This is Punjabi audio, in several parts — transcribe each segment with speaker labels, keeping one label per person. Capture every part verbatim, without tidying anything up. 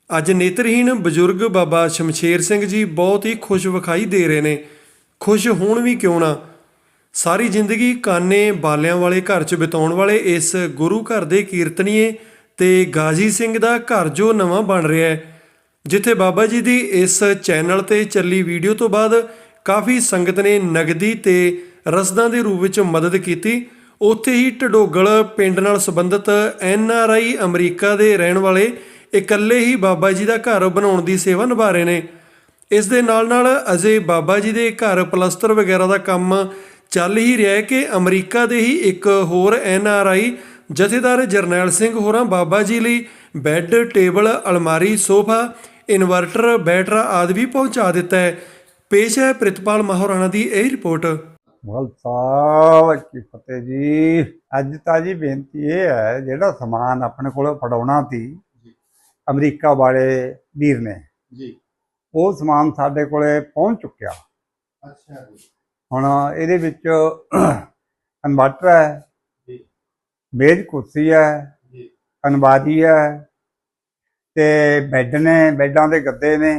Speaker 1: ਅੱਜ ਨੇਤਰਹੀਣ ਬਜ਼ੁਰਗ ਬਾਬਾ ਸ਼ਮਸ਼ੇਰ ਸਿੰਘ ਜੀ ਬਹੁਤ ਹੀ ਖੁਸ਼ ਵਿਖਾਈ ਦੇ ਰਹੇ ਨੇ। ਖੁਸ਼ ਹੋਣ ਵੀ ਕਿਉਂ ਨਾ, ਸਾਰੀ ਜ਼ਿੰਦਗੀ ਕਾਨੇ ਬਾਲਿਆਂ ਵਾਲੇ ਘਰ 'ਚ ਬਿਤਾਉਣ ਵਾਲੇ ਇਸ ਗੁਰੂ ਘਰ ਦੇ ਕੀਰਤਨੀਏ ਤੇ ਗਾਜ਼ੀ ਸਿੰਘ ਦਾ ਘਰ ਜੋ ਨਵਾਂ ਬਣ ਰਿਹਾ ਹੈ, ਜਿੱਥੇ ਬਾਬਾ ਜੀ ਦੀ ਇਸ ਚੈਨਲ ਤੇ ਚੱਲੀ ਵੀਡੀਓ ਤੋਂ ਬਾਅਦ ਕਾਫੀ ਸੰਗਤ ਨੇ ਨਗਦੀ ਤੇ ਰਸਦਾਂ ਦੇ ਰੂਪ ਵਿੱਚ ਮਦਦ ਕੀਤੀ। ਉੱਥੇ ਹੀ ਢਡੋਗਲ ਪਿੰਡ ਨਾਲ ਸੰਬੰਧਿਤ ਐਨ ਆਰ ਆਈ ਅਮਰੀਕਾ ਦੇ ਰਹਿਣ ਵਾਲੇ ਇਕੱਲੇ ਹੀ ਬਾਬਾ ਜੀ ਦਾ ਘਰ ਬਣਾਉਣ ਦੀ ਸੇਵਾ ਨਿਭਾ ਰਹੇ ਨੇ। ਇਸ ਦੇ ਨਾਲ ਨਾਲ ਅਜੇ ਬਾਬਾ ਜੀ ਦੇ ਘਰ ਪਲਸਤਰ ਵਗੈਰਾ ਦਾ ਕੰਮ ਚੱਲ ਹੀ ਰਿਹਾ ਹੈ ਕਿ ਅਮਰੀਕਾ ਦੇ ਹੀ ਇੱਕ ਹੋਰ ਐਨ ਆਰ ਆਈ ਜਥੇਦਾਰ ਜਰਨੈਲ ਸਿੰਘ ਹੋਰਾਂ ਬਾਬਾ ਜੀ ਲਈ ਬੈੱਡ, ਟੇਬਲ, ਅਲਮਾਰੀ, ਸੋਫਾ, ਇਨਵਰਟਰ, ਬੈਟਰਾ ਆਦਿ ਵੀ ਪਹੁੰਚਾ ਦਿੱਤਾ ਹੈ। ਪੇਸ਼ ਹੈ ਪ੍ਰਿਤਪਾਲ ਮਹਾਰਾਣਾ ਦੀ ਇਹ ਰਿਪੋਰਟ।
Speaker 2: ਖਾਲਸਾ ਕੀ ਫਤਿਹ ਜੀ। ਅੱਜ ਤਾਂ ਜੀ ਬੇਨਤੀ ਇਹ ਹੈ, ਜਿਹੜਾ ਸਮਾਨ ਆਪਣੇ ਕੋਲ ਫੜਾਉਣਾ ਸੀ ਅਮਰੀਕਾ ਵਾਲੇ ਵੀਰ ਨੇ ਜੀ, ਉਹ ਸਮਾਨ ਸਾਡੇ ਕੋਲੇ ਪਹੁੰਚ ਚੁੱਕਿਆ। ਅੱਛਾ ਜੀ। ਹੁਣ ਇਹਦੇ ਵਿੱਚ ਇਨਵਰਟਰ ਹੈ ਜੀ, ਮੇਜ਼ ਕੁਰਸੀ ਹੈ ਜੀ, ਅਨਬਾਰੀ ਹੈ ਤੇ ਬੈੱਡ ਨੇ, ਬੈੱਡਾਂ ਦੇ ਗੱਦੇ ਨੇ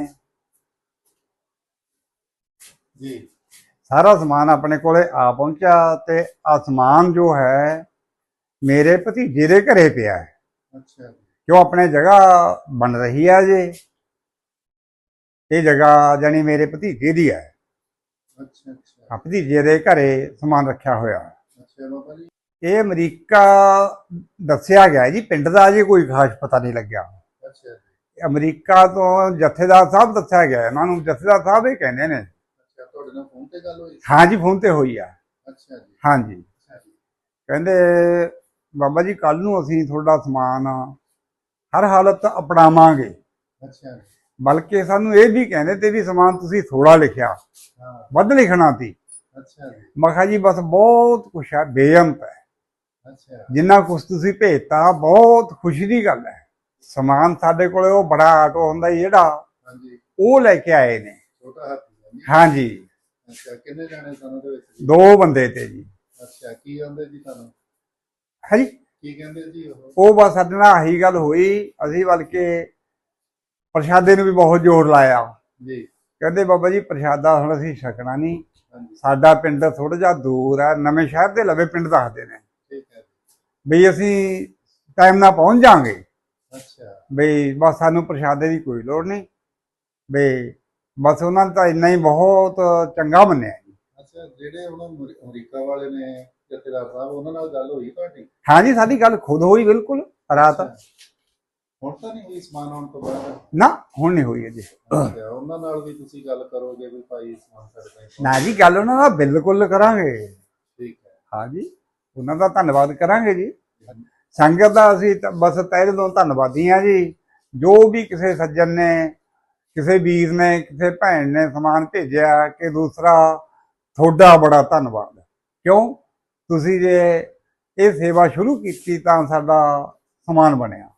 Speaker 2: ਜੀ। ਸਾਰਾ ਸਮਾਨ ਆਪਣੇ ਕੋਲੇ ਆ ਪਹੁੰਚਿਆ ਤੇ ਆ ਸਮਾਨ ਜੋ ਹੈ ਮੇਰੇ ਭਤੀਜੇ ਦੇ ਘਰੇ ਪਿਆ ਹੈ। ਅੱਛਾ। ਕਿਉਂ ਆਪਣੇ ਜਗ੍ਹਾ ਬਣ ਰਹੀ ਹੈ ਜੀ, ਇਹ ਜਗ੍ਹਾ ਜਾਨੀ ਮੇਰੇ ਭਤੀਜੇ ਦੀ ਹੈ। ਅੱਛਾ ਅੱਛਾ। ਭਤੀਜੇ ਦੇ ਘਰੇ ਸਮਾਨ ਰੱਖਿਆ ਹੋਇਆ। ਅੱਛਾ ਬਾਬਾ ਜੀ। ਇਹ ਅਮਰੀਕਾ ਦੱਸਿਆ ਗਿਆ ਜੀ, ਪਿੰਡ ਦਾ ਜੀ ਕੋਈ ਖਾਸ ਪਤਾ ਨਹੀਂ ਲੱਗਿਆ। ਅੱਛਾ। ਅਮਰੀਕਾ ਤੋਂ ਜਥੇਦਾਰ ਸਾਹਿਬ ਦੱਸਿਆ ਗਿਆ, ਇਹਨਾਂ ਨੂੰ ਜਥੇਦਾਰ ਸਾਹਿਬ ਇਹ ਕਹਿੰਦੇ ਨੇ। ਤੁਹਾਡੇ ਨਾਲ ਫੋਨ ਤੇ ਗੱਲ ਹੋਈ? ਹਾਂ ਜੀ, ਫੋਨ ਤੇ ਹੋਈ ਆ। ਅੱਛਾ ਜੀ। ਹਾਂ ਜੀ। ਕਹਿੰਦੇ ਬਾਬਾ ਜੀ ਕੱਲ ਨੂੰ ਅਸੀਂ ਤੁਹਾਡਾ ਸਮਾਨ ਹਰ ਹਾਲਤ ਅਪਣਾਵਾਂਗੇ। ਅੱਛਾ। ਬਲਕਿ ਸਾਨੂੰ ਇਹ ਵੀ ਕਹਿੰਦੇ ਤੇ ਵੀ ਸਮਾਨ ਤੁਸੀਂ ਥੋੜਾ ਲਿਖਿਆ, ਵੱਧ ਲਿਖਣਾ ਸੀ। ਅੱਛਾ। ਮੈਂ ਕਿਹਾ ਜੀ ਬਸ ਬਹੁਤ ਕੁਛ ਹੈ, ਬੇਅੰਤ ਹੈ। ਅੱਛਾ। ਜਿੰਨਾ ਕੁਛ ਤੁਸੀਂ ਭੇਜਤਾ ਬਹੁਤ ਖੁਸ਼ੀ ਦੀ ਗੱਲ ਹੈ। ਸਮਾਨ ਸਾਡੇ ਕੋਲੇ ਉਹ ਬੜਾ ਆਟੋ ਹੁੰਦਾ ਜਿਹੜਾ, ਉਹ ਲੈ ਕੇ ਆਏ ਨੇ। ਛੋਟਾ ਹਾਥੀ। ਹਾਂ ਜੀ। ਅੱਛਾ। ਕਿੰਨੇ ਜਾਣੇ ਸਨ ਉਹਦੇ ਵਿੱਚ? ਦੋ ਬੰਦੇ ਤੇ ਜੀ। ਅੱਛਾ। ਕੀ ਕਹਿੰਦੇ ਜੀ ਤੁਹਾਨੂੰ? ਹਾਂਜੀ, ਕੀ ਕਹਿੰਦੇ ਜੀ ਉਹ? ਉਹ ਬਸ ਸਾਡੇ ਨਾਲ ਆਹੀ ਗੱਲ ਹੋਈ। ਅਸੀਂ ਬਲਕਿ ਪ੍ਰਸ਼ਾਦੇ ਨੂੰ ਵੀ ਬਹੁਤ ਜ਼ੋਰ ਲਾਇਆ ਜੀ। ਕਹਿੰਦੇ ਬਾਬਾ ਜੀ ਪ੍ਰਸ਼ਾਦਾ ਹੁਣ ਅਸੀਂ ਛਕਣਾ ਨਹੀਂ, ਸਾਡਾ ਪਿੰਡ ਥੋੜਾ ਜਿਹਾ ਦੂਰ ਹੈ, ਨਵੇਂ ਸ਼ਹਿਰ ਦੇ ਲਵੇ ਪਿੰਡ ਦੱਸਦੇ ਨੇ। ਠੀਕ ਹੈ। ਬਈ ਅਸੀਂ ਟਾਈਮ ਨਾਲ ਪਹੁੰਚ ਜਾਵਾਂਗੇ। ਅੱਛਾ। ਬਈ ਬਸ ਸਾਨੂੰ ਪ੍ਰਸ਼ਾਦੇ ਦੀ ਕੋਈ ਲੋੜ ਨਹੀਂ, ਬਈ ਬਸ ਉਹਨਾਂ ਨੇ ਤਾਂ ਇੰਨਾ ਹੀ ਬਹੁਤ ਚੰਗਾ ਮੰਨਿਆ ਜੀ। ਅੱਛਾ। ਜਿਹੜੇ ਉਹਨਾਂ ਅਮਰੀਕਾ ਵਾਲੇ ਨੇ ਜਥੇਦਾਰ ਸਾਹਿਬ, ਉਹਨਾਂ ਨਾਲ ਗੱਲ ਹੋਈ ਤੁਹਾਡੀ? ਹਾਂ ਜੀ, ਸਾਡੀ ਗੱਲ ਖੁਦ ਹੋਈ ਬਿਲਕੁਲ ਰਾਤ। ਹੁਣ ਤਾਂ ਨਹੀਂ ਹੋਈ ਸਮਾਨ ਆਉਣ ਤੋਂ ਬਾਅਦ? ਨਾ, ਹੁਣ ਨਹੀਂ ਹੋਈ ਅਜੇ। ਉਹਨਾਂ ਨਾਲ ਵੀ ਤੁਸੀਂ ਗੱਲ ਕਰੋਗੇ ਵੀ ਭਾਈ ਸਮਾਨ ਸਾਡੇ ਕੋਲ? ਨਾ ਜੀ, ਗੱਲ ਉਹਨਾਂ ਨਾਲ ਬਿਲਕੁਲ ਕਰਾਂਗੇ। ਠੀਕ ਹੈ। ਹਾਂ ਜੀ, ਉਹਨਾਂ ਦਾ ਧੰਨਵਾਦ ਕਰਾਂਗੇ ਜੀ। ਸੰਗਤ ਦਾ ਅਸੀਂ ਬਸ ਤਹਿ ਦਿਲੋਂ ਧੰਨਵਾਦੀ ਹਾਂ ਜੀ। ਜੋ ਵੀ ਕਿਸੇ ਸੱਜਣ ਨੇ, ਕਿਸੇ ਵੀਰ ਨੇ, ਕਿਸੇ ਭੈਣ ਨੇ ਸਮਾਨ ਭੇਜਿਆ, ਕਿ ਦੂਸਰਾ ਤੁਹਾਡਾ ਬੜਾ ਧੰਨਵਾਦ। ਕਿਉਂ ਤੁਸੀਂ ਜੇ ਇਹ ਸੇਵਾ ਸ਼ੁਰੂ ਕੀਤੀ ਤਾਂ ਸਾਡਾ ਸਮਾਨ ਬਣਿਆ।